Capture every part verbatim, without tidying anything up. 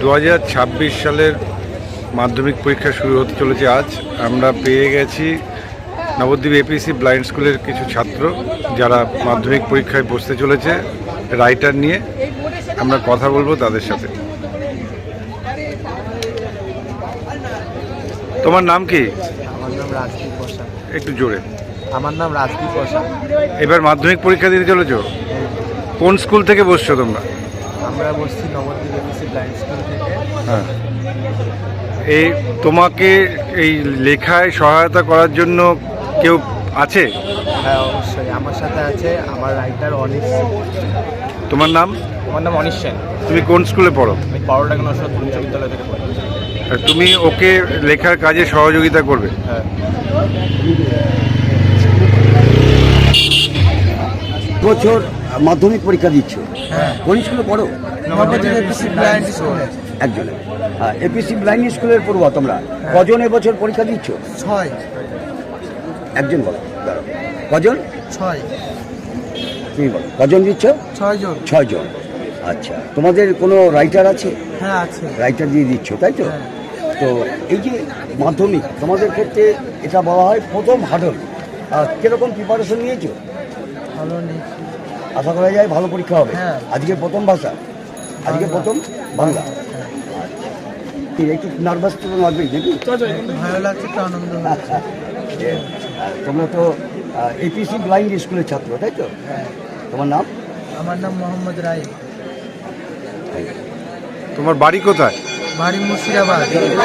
দু হাজার ছাব্বিশ সালের মাধ্যমিক পরীক্ষা শুরু হতে চলেছে আজ। আমরা পেয়ে গেছি নবদ্বীপ এপিসি ব্লাইন্ড স্কুলের কিছু ছাত্র যারা মাধ্যমিক পরীক্ষায় বসতে চলেছে রাইটার নিয়ে। আমরা কথা বলবো তাদের সাথে। তোমার নাম কি? আমার নাম রাজদীপ বসা। একটু জোরে। আমার নাম রাজদীপ বসা। এবার মাধ্যমিক পরীক্ষা দিতে চলেছো? কোন স্কুল থেকে বসছো তোমরা? আমরা বসছি নবদ্বীপ এপিসি ব্লাইন্ড স্কুল থেকে। হ্যাঁ, এই তোমাকে এই লেখায় সহায়তা করার জন্য কেউ আছে? হ্যাঁ, অবশ্যই আমার সাথে আছে আমার রাইটার অনিশ। তোমার নাম? আমার নাম অনিশ সেন। তুমি কোন স্কুলে পড়ো? আমি পরোটা নশো উচ্চ বিদ্যালয় থেকে পড়ি। আর তুমি ওকে লেখার কাজে সহযোগিতা করবে? হ্যাঁ। বছর মাধ্যমিক পরীক্ষা দিচ্ছ? হ্যাঁ। কোন স্কুলে পড়ো? Nabadwip APC blind school. একজনে। হ্যাঁ, এপিসি ব্লাইন্ড স্কুলের পড়ুয়া তোমরা। কজন এবছর পরীক্ষা দিচ্ছ? ছয়। একজন বলো। দাঁড়াও। কজন? ছয়। তুমি বলো কজন দিচ্ছ? ছয় জন। ছয় জন। আচ্ছা, তোমাদের কোনো রাইটার আছে? হ্যাঁ, আছে। রাইটার দিয়ে দিচ্ছ, তাই তো? হ্যাঁ। তো এই যে মাধ্যমিক তোমাদের ক্ষেত্রে এটা বলা হয় প্রথম হার্ডল। কিরকম প্রিপারেশন নিয়েছো? ভালো নেই। আশা করা যায় ভালো পরীক্ষা হবে। হ্যাঁ। আজকে প্রথম ভাষা, আজকে বাংলা। প্রথম বাংলা। ঠিক, একটু নার্ভাস তো লাগবেই নাকি? ভালো লাগছে, একটু আনন্দ হচ্ছে। আর তোমরা তো এপিসি ব্লাইন্ড স্কুলের ছাত্র, তাই তো? তোমার নাম? আমার নাম মোহাম্মদ রায়। তোমার বাড়ি কোথায়? বাড়ি মুর্শিদাবাদ।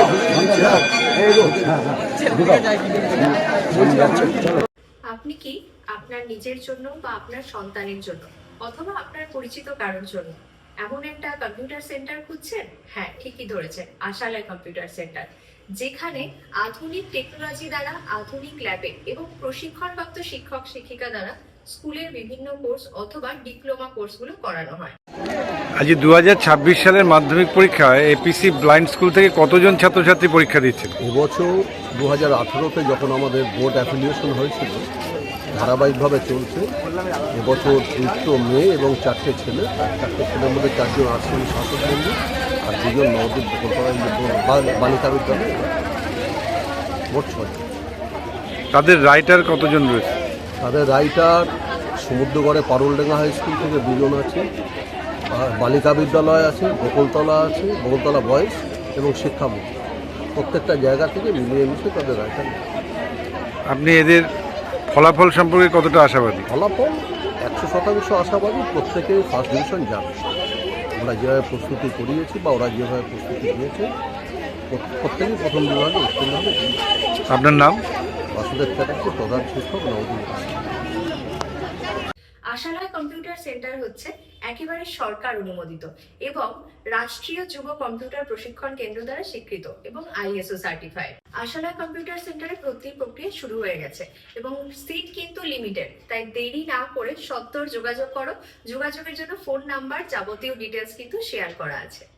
আপনি কি আপনার নিজের জন্য বা আপনার সন্তানের জন্য অথবা আপনার পরিচিত কারোর জন্য এমন একটা কম্পিউটার সেন্টার খুঁজছেন? হ্যাঁ, ঠিকই ধরেছেন, আশালয় কম্পিউটার সেন্টার, যেখানে আধুনিক টেকনোলজি দ্বারা আধুনিক ল্যাবে এবং প্রশিক্ষণপ্রাপ্ত শিক্ষক শিক্ষিকা দ্বারা স্কুলের বিভিন্ন কোর্স অথবা ডিপ্লোমা কোর্সগুলো করানো হয়। আজ দু হাজার ছাব্বিশ সালের মাধ্যমিক পরীক্ষায় এপিসি ব্লাইন্ড স্কুল থেকে কতজন ছাত্রছাত্রী পরীক্ষা দিচ্ছে? এবছর দু হাজার আঠেরোতে যখন আমাদের বোর্ড অ্যাফিলিয়েশন হয়েছিল, ধারাবাহিকভাবে চলছে। এবছর দুটো মেয়ে এবং চারটে ছেলে, চারটে ছেলের মধ্যে চারজন আশ্রমী শাসক বন্ধু আর দুজন নবদ্বীপ বালিকা বিদ্যালয়, মোট ছয়। তাদের রাইটার কতজন রয়েছে? তাদের রাইটার সমুদ্রগড়ে পারুলডাঙ্গা হাই স্কুল থেকে দুজন আছে, আর বালিকা বিদ্যালয় আছে, বকুলতলা আছে, বকুলতলা বয়েজ এবং শিক্ষাবোর্ড, প্রত্যেকটা জায়গা থেকে মিলিয়ে মিশে তাদের রাইটার। আপনি এদের ফলাফল সম্পর্কে কতটা আশাবাদী? ফলাফল একশো শতাংশ আশাবাদী, প্রত্যেকে ফার্স্ট ডিভিশন যাবে। আমরা যেভাবে প্রস্তুতি করিয়েছি বা ওরা যেভাবে প্রস্তুতি নিয়েছে, প্রত্যেকেই প্রথম বিভাগে উত্তীর্ণ হবে। আপনার নাম? বাসুদেব চ্যাটার্জি, প্রধান শিক্ষক, নবদ্বীপ। আশালয় কম্পিউটার সেন্টার হচ্ছে একেবারে সরকার অনুমোদিত এবং রাষ্ট্রীয় যুব কম্পিউটার প্রশিক্ষণ কেন্দ্র দ্বারা স্বীকৃত এবং আইএসও সার্টিফাইড। আশালয় কম্পিউটার সেন্টারে ভর্তির প্রক্রিয়া শুরু হয়ে গেছে এবং সিট কিন্তু লিমিটেড, তাই দেরি না করে সত্বর যোগাযোগ করো। যোগাযোগের জন্য ফোন নাম্বার, যাবতীয় ডিটেলস কিন্তু শেয়ার করা আছে।